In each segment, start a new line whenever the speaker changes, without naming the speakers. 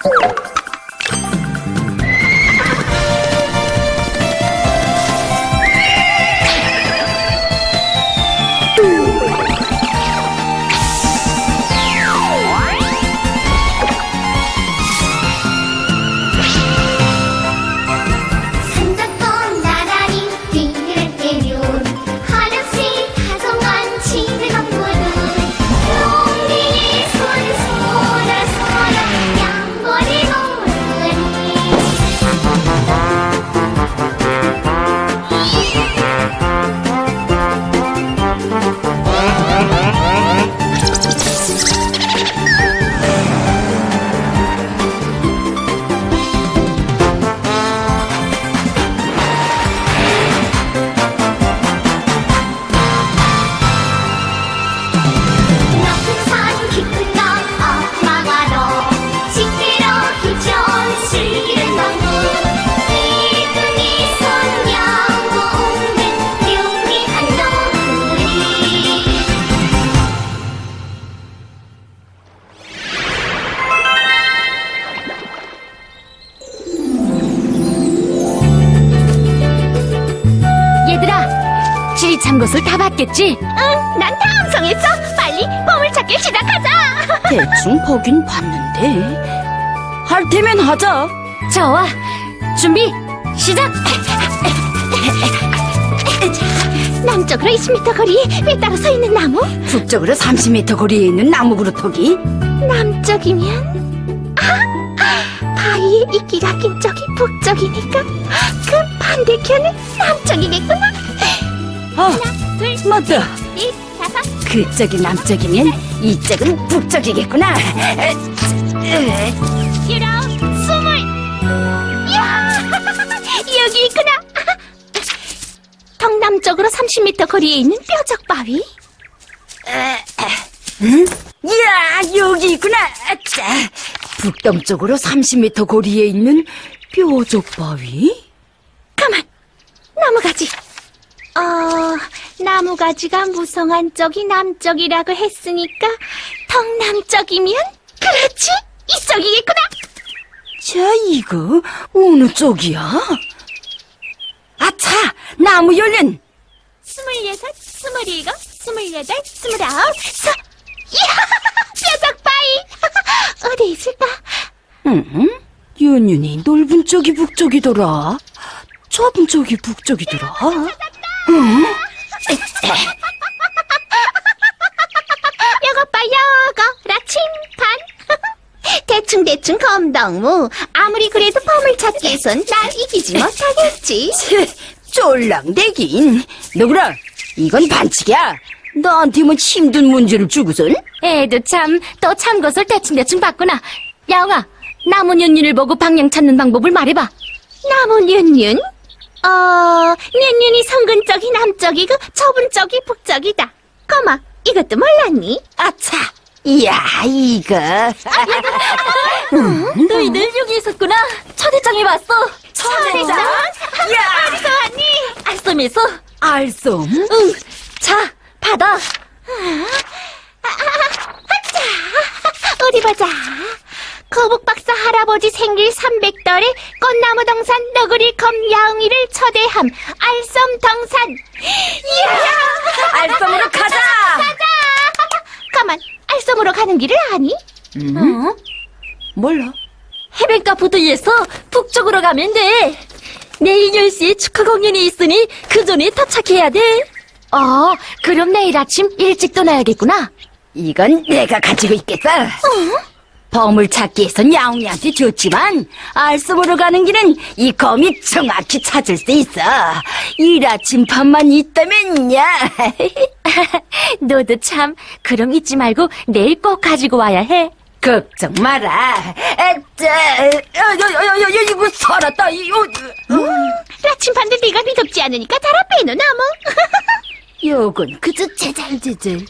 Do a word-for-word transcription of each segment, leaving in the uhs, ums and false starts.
참 것을 다 봤겠지?
응, 난 다 암송했어. 빨리 보물찾기 시작하자.
대충 보긴 봤는데 할 테면 하자. 좋아, 준비 시작.
남쪽으로 이십 미터 거리에 왜 따로 서 있는 나무?
북쪽으로 삼십 미터 거리에 있는 나무 그루터기.
남쪽이면 아, 바위에 이끼가 낀 쪽이 북쪽이니까 그 반대편은 남쪽이겠구나.
아,
하나, 둘,
맞다.
넷, 다섯.
그쪽이 남쪽이면 이쪽은 북쪽이겠구나.
유라, 스물. 이야, 여기 있구나. 동남쪽으로 삼십 미터 거리에 있는 뾰족 바위.
응? 이야, 여기 있구나. 아차. 북동쪽으로 삼십 미터 거리에 있는 뾰족 바위?
가만, 나무가지. 어, 나무가지가 무성한 쪽이 남쪽이라고 했으니까 동남쪽이면 그렇지, 이쪽이겠구나.
자, 이거 어느 쪽이야? 아차, 나무 열린.
스물여섯, 스물일곱, 스물여덟, 스물아홉, 서, 이야, 뾰족 바위. 어디 있을까?
응? 윤윤이 넓은 쪽이 북쪽이더라. 좁은 쪽이 북쪽이더라. 응?
요거 봐, 요거 라침판. 대충대충 검덕무. 아무리 그래도 보물찾기에선 날 이기지 못하겠지.
쫄랑대긴. 너구라, 이건 반칙이야. 나한테만 힘든 문제를 주고선.
애도 참, 또 참 것을 대충대충 봤구나. 야옹아, 나무 윤윤을 보고 방향 찾는 방법을 말해봐.
나무 윤윤? 어, 윤윤이 성근 쪽이 남쪽이고 좁은 쪽이 북쪽이다. 거마, 이것도 몰랐니?
아차, 이야, 이거.
너희들 여기 있었구나. 초대장에 왔어.
초대장?
야,
어디서 왔니?
알쏘미소.
알쏨?
응, 자, 받아.
어디 보자. 거북박사 할아버지 생일 삼백 달에 꽃나무 동산 너구리 검 야옹이를 초대함. 알쏨동산. 이야!
알쏨으로 가자.
가자! 가만, 알쏨으로 가는 길을 아니?
어?
몰라.
해변가 부두에서 북쪽으로 가면 돼. 내일 열 시에 축하 공연이 있으니 그 전에 도착해야 돼. 어, 그럼 내일 아침 일찍 떠나야겠구나.
이건 내가 가지고 있겠어. 보물찾기에선 야옹이한테 줬지만 알쏨으로 가는 길은 이 검이 정확히 찾을 수 있어. 일 아침밥만 있다면야.
너도 참, 그럼 잊지 말고 내일 꼭 가지고 와야 해.
걱정 마라. 에짜, 여여여여 이거 살았다. 이거.
라침반도 네가 믿op지 않으니까 달아 빼노 나무.
요건 그저 제잘제잘.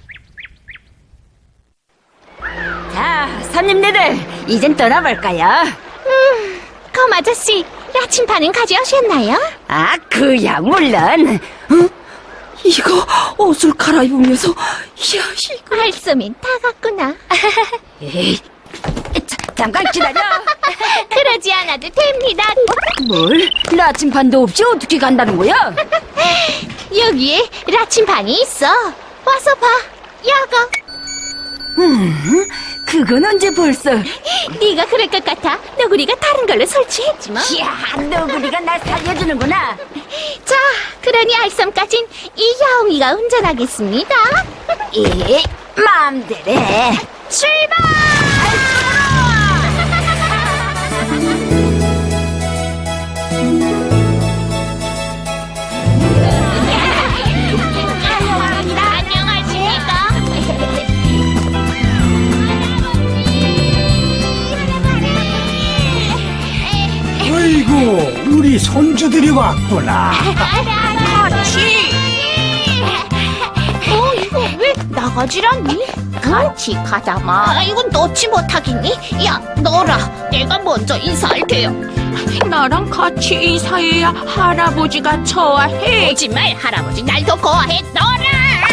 자, 손님들, 이젠 떠나볼까요?
음, 검 아저씨, 라침반은 가져오셨나요?
아, 그야 물론. 어? 이거 옷을 갈아입으면서, 이야, 이거.
알쏘면 다 갔구나.
에이, 자, 잠깐 기다려.
그러지 않아도 됩니다.
뭘? 나침반도 없이 어떻게 간다는 거야?
여기에 라침반이 있어. 와서 봐. 여거.
그건 언제 벌써?
네가 그럴 것 같아. 너구리가 다른 걸로 설치했지 뭐.
이야, 너구리가 날 살려주는구나.
자, 그러니 알섬까진 이 야옹이가 운전하겠습니다.
이 마음대로 해.
출발! 안녕하십니까?
아이고, 우리 손주들이 왔구나.
같이. 어, 이거 왜 나가질 않니? 같이 가자마. 아, 이건 넣지 못하겠니? 야, 너라. 내가 먼저 인사할 테요.
나랑 같이 인사해야 할아버지가 좋아해.
거짓말, 할아버지 날 더 거하해. 너라.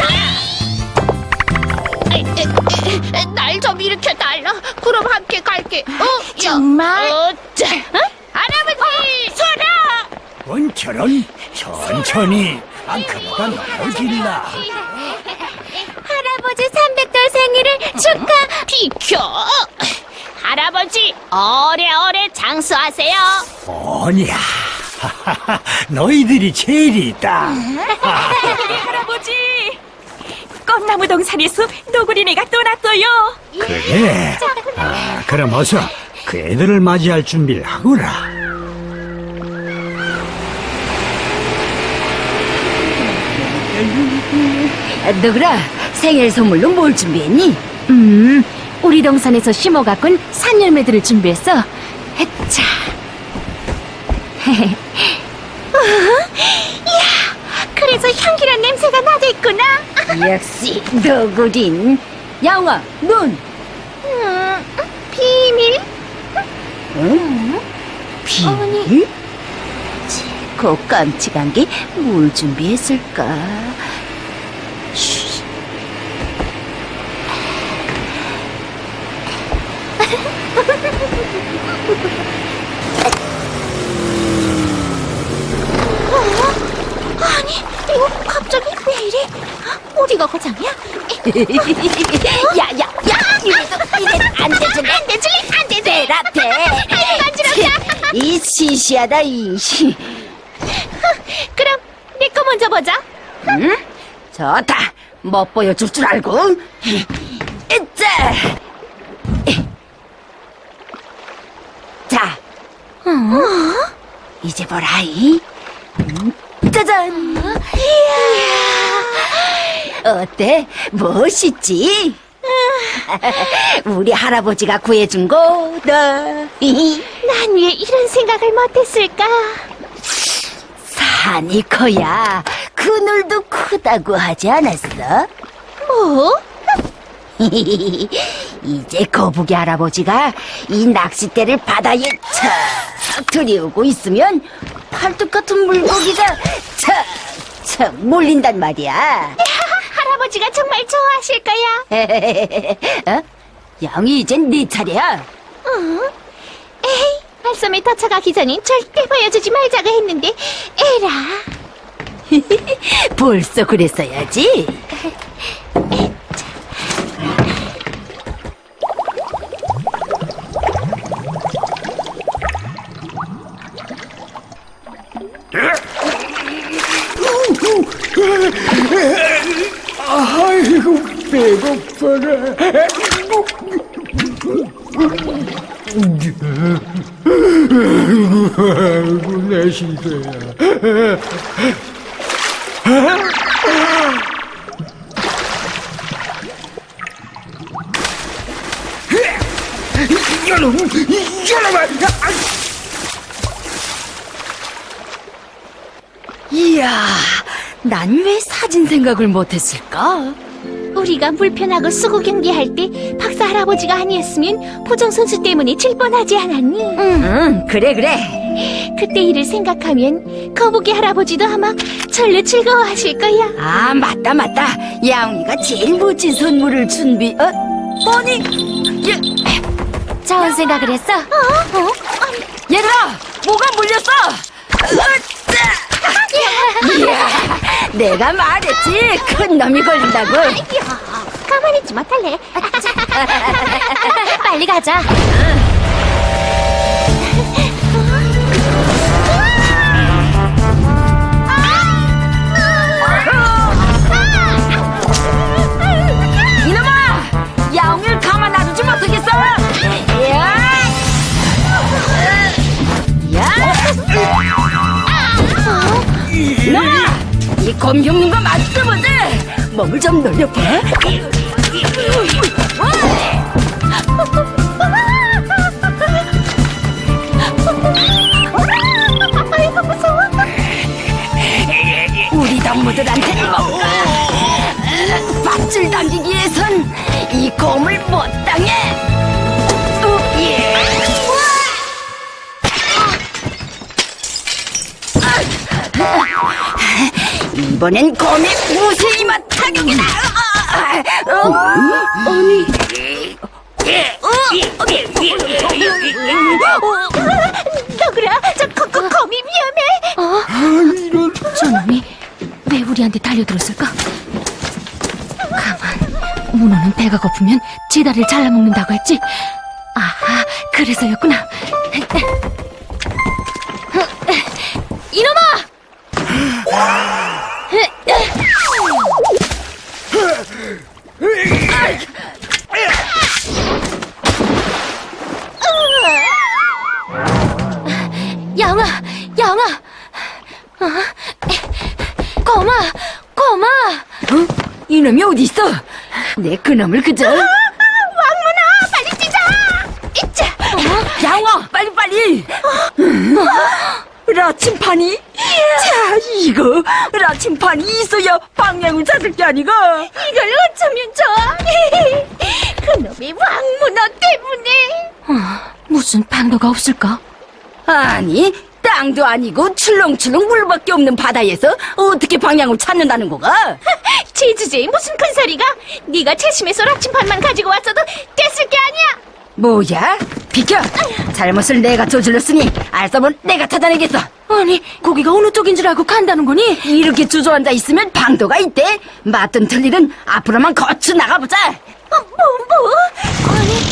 날 좀 일으켜 달라. 그럼 함께 갈게. 어,
정말?
어, 자. 어? 할아버지, 서라.
원처럼 천천히. 아, 그보다 너무 길라.
할아버지 삼백 돌 생일을 축하. 비켜. 할아버지 오래오래 장수하세요.
뭐냐. 너희들이 제일이다.
할아버지, 꽃나무 동산에서 너구리네가 떠났어요.
그래. 아, 그럼 어서 그 애들을 맞이할 준비를 하거라.
너구라, 생일 선물로 뭘 준비했니?
음, 우리 동산에서 심어갖군 산열매들을 준비했어. 해차.
그래서 향기란 냄새가 나겠구나.
역시 너구린. 양아, 넌?
음, 비밀.
응? 비밀? 그 깜찍한 게 뭘 준비했을까? 쉬.
아니, 이거 갑자기 왜 이래? 어디가 고장이야?
야, 야, 야! 이래도, 이래도 안 되줄래?
안 되줄래? 안 되지.
대라, 대!
아이고, 간지럽다.
이 시시하다, 이 시.
그럼 내 거 먼저 보자.
응? 좋다. 뭐 보여줄 줄 알고. 이자. 자. 어? 이제 보라이. 음, 짜잔. 어때? 멋있지? 우리 할아버지가 구해준 거다.
난 왜 이런 생각을 못했을까?
산이 커야 그늘도 크다고 하지 않았어?
뭐?
이제 거북이 할아버지가 이 낚싯대를 바다에 척 들이우고 있으면 팔뚝 같은 물고기가 척척 몰린단 말이야.
할아버지가 정말 좋아하실 거야.
어? 양이 이젠 네 차례야.
응? 에이, 알섬에 도착하기 전엔 절대 보여주지 말자고 했는데 에라.
벌써 그랬어야지.
아이고, 배고파라. 아이고, 내 시대야. 여러분, 여러분,
이야, 난 왜 사진 생각을 못했을까?
우리가 물편하고 수구 경기할 때 박사 할아버지가 아니었으면 보정 선수 때문에 질 뻔하지 않았니?
응, 그래 그래.
그때 일을 생각하면 거북이 할아버지도 아마 절로 즐거워하실 거야.
아, 맞다 맞다. 야옹이가 제일 멋진 선물을 준비. 어? 아니, 야,
좋은 생각을 했어. 어?
얘들아, 뭐가 물렸어? 으쌰! 이야, 내가 말했지, 큰 놈이 걸린다고.
가만히 있지 못할래.
빨리 가자.
이놈아, 야옹을 가만 놔두지 못하겠어. 야, 야, 이놈아, 이 곰흉는 거 맞지 보지? 몸을 좀 놀려봐.
아이고 무서워.
우리 동무들한테 뭔가 밧줄 당기기 위해선 이 곰을 못 당해. 어, 예. 이번엔 곰이 무쇠이만 타격이다. 어? 아니.
너구라, 저 거, 거, 거미 위험해.
저놈이 왜 우리한테 달려들었을까? 가만. 문어는 배가 고프면 제 다리를 잘라먹는다고 했지? 아하, 그래서였구나. 이놈아! 양아, 양아, 어? 고마, 고마.
어? 이놈이 어디 있어? 내 그놈을 그저.
왕문아, 빨리 뛰자. 이자.
양아, 빨리 빨리. 라침판이? 자, 이거 라침판이 있어야 방향을 찾을 게 아니가.
이걸 어쩌면 좋아. 그놈의 왕문어 때문에.
어, 무슨 방도가 없을까?
아니, 땅도 아니고 출렁출렁 물밖에 없는 바다에서 어떻게 방향을 찾는다는 거가?
제주제에 무슨 큰 소리가? 네가 채심에서 라침판만 가지고 왔어도 됐을 게 아니야.
뭐야? 비켜! 잘못을 내가 저질렀으니 알싸면 내가 찾아내겠어.
아니, 거기가 어느 쪽인 줄 알고 간다는 거니?
이렇게 주저앉아 있으면 방도가 있대. 맞든 틀리든 앞으로만 거쳐 나가보자.
어, 뭐, 뭐? 아니,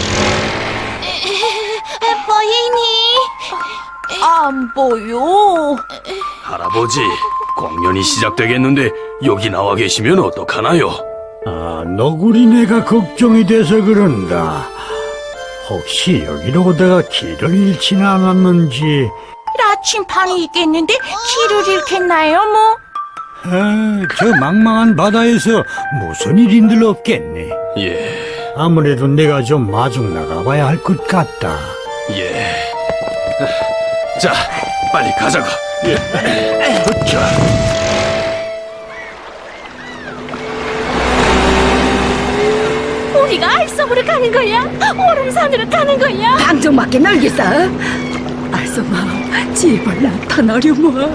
보이니?
안 보여.
할아버지, 공연이 시작되겠는데 여기 나와 계시면 어떡하나요?
아, 너구리네가 걱정이 돼서 그런다. 혹시 여기로 오다가 길을 잃지는 않았는지.
라침판이 있겠는데 길을 잃겠나요, 뭐?
아, 저 망망한 바다에서 무슨 일인들 없겠네.
예,
아무래도 내가 좀 마중 나가봐야 할 것 같다.
예. 자, 빨리 가자고. 예. 자.
우리가 알섬으로 가는 거야? 오름산으로 가는 거야?
방정맞게 놀겠어. 알쏘마, 제발 나타나려마.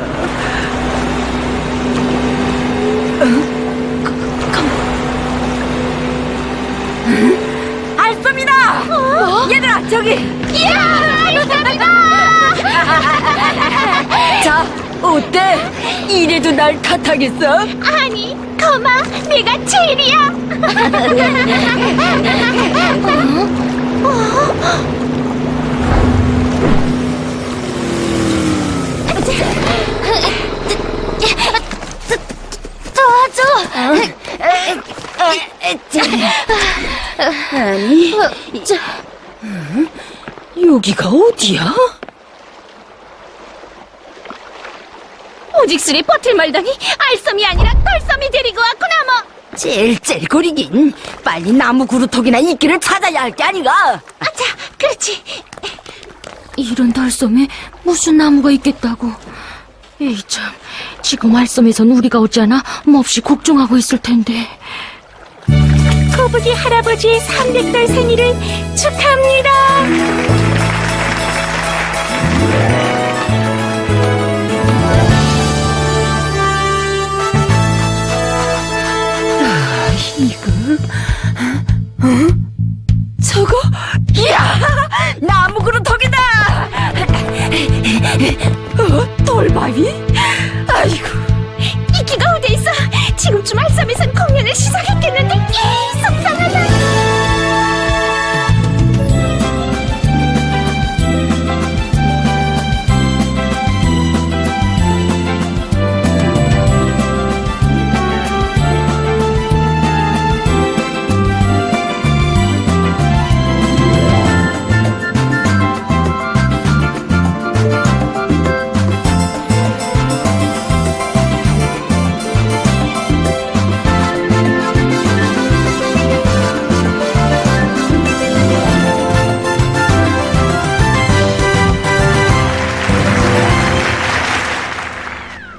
알쏘미다! 얘들아, 저기!
이야, 알섬이다!
자, 어때? 이래도 날 탓하겠어?
아니, 거마, 내가 제일이야.
도와줘!
아니,
저,
여기가 어디야?
오직술이 버틸 말더니 알섬이 아니라 털섬이 데리고 왔구나 뭐.
찔찔거리긴. 빨리 나무 그루터기나 이끼를 찾아야 할 게 아니가.
아차, 그렇지.
이런 달섬에 무슨 나무가 있겠다고. 에이 참, 지금 알섬에선 우리가 오지 않아 몹시 걱정하고 있을 텐데.
거북이 할아버지의 삼백 달 생일을 축하합니다.
이거, 어? 저거? 이야!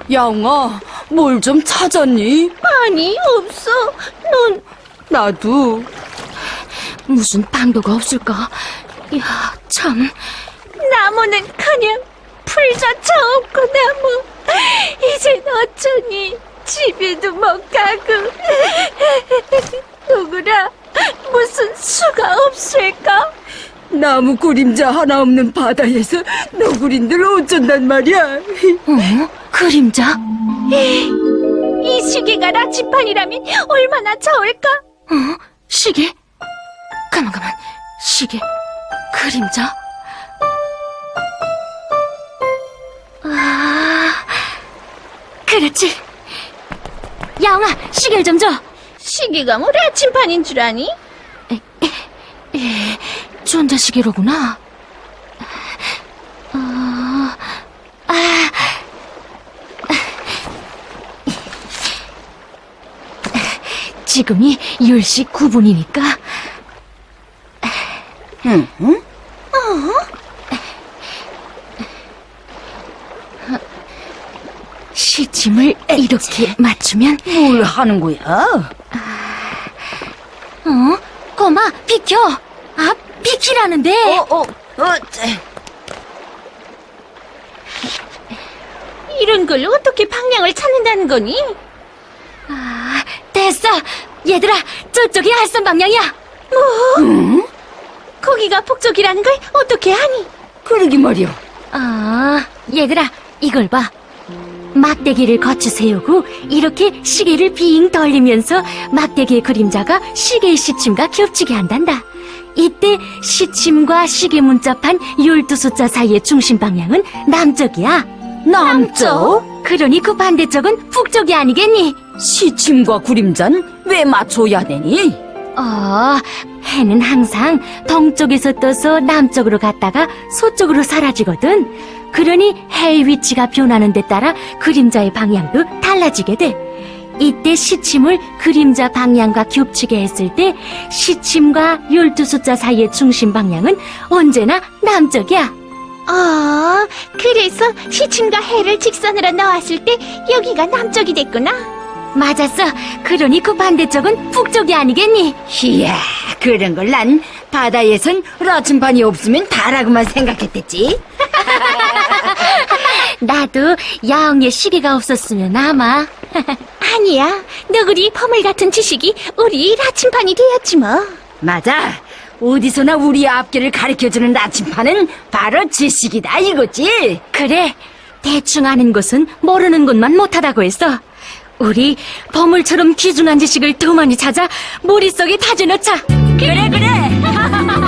양아, 뭘 좀 찾았니?
아니, 없어. 넌
나도.
무슨 방도가 없을까? 야, 참.
나무는 그냥 풀조차 없고 나무. 이젠 어쩌니? 집에도 못 가고. 누구라 무슨 수가 없을까?
나무 그림자 하나 없는 바다에서 너구리들 어쩐단 말이야.
어? 그림자?
이 시계가 라치판이라면 얼마나 좋을까?
어? 시계? 가만, 가만. 시계. 그림자? 아, 그렇지. 야옹아, 시계를 좀 줘.
시계가 뭐 라치판인 줄 아니?
전자시계로구나. 어, 아, 지금이 열 시 구 분이니까.
응? 응?
시침을 이렇게 맞추면,
뭘 하는 거야?
어? 꼬마, 비켜! 아, 비키라는데!
어, 어, 어, 째.
이런 걸로 어떻게 방향을 찾는다는 거니?
아, 됐어! 얘들아, 저쪽이 알선 방향이야!
거기가 북쪽이라는 걸 어떻게 아니?
그러기 말이야.
아, 얘들아, 이걸 봐. 막대기를 거쳐 세우고 이렇게 시계를 빙 돌리면서 막대기의 그림자가 시계의 시침과 겹치게 한단다. 이때 시침과 시계 문자판 열두 숫자 사이의 중심 방향은 남쪽이야.
남쪽?
그러니 그 반대쪽은 북쪽이 아니겠니?
시침과 그림자는 왜 맞춰야 되니?
어, 해는 항상 동쪽에서 떠서 남쪽으로 갔다가 서쪽으로 사라지거든. 그러니 해의 위치가 변하는 데 따라 그림자의 방향도 달라지게 돼. 이때 시침을 그림자 방향과 겹치게 했을 때 시침과 열두 숫자 사이의 중심 방향은 언제나 남쪽이야.
아, 그래서 시침과 해를 직선으로 넣었을 때 여기가 남쪽이 됐구나.
맞았어. 그러니 그 반대쪽은 북쪽이 아니겠니?
이야, 그런 걸 난 바다에선 라침판이 없으면 다라고만 생각했댔지.
나도 야옹의 시계가 없었으면 아마.
아니야, 너구리 포물 같은 지식이 우리 라침판이 되었지 뭐.
맞아. 어디서나 우리 앞길을 가르쳐주는 라침판은 바로 지식이다 이거지.
그래, 대충 아는 것은 모르는 것만 못하다고 했어. 우리 보물처럼 귀중한 지식을 더 많이 찾아 머릿속에 다져넣자.
그래 그래.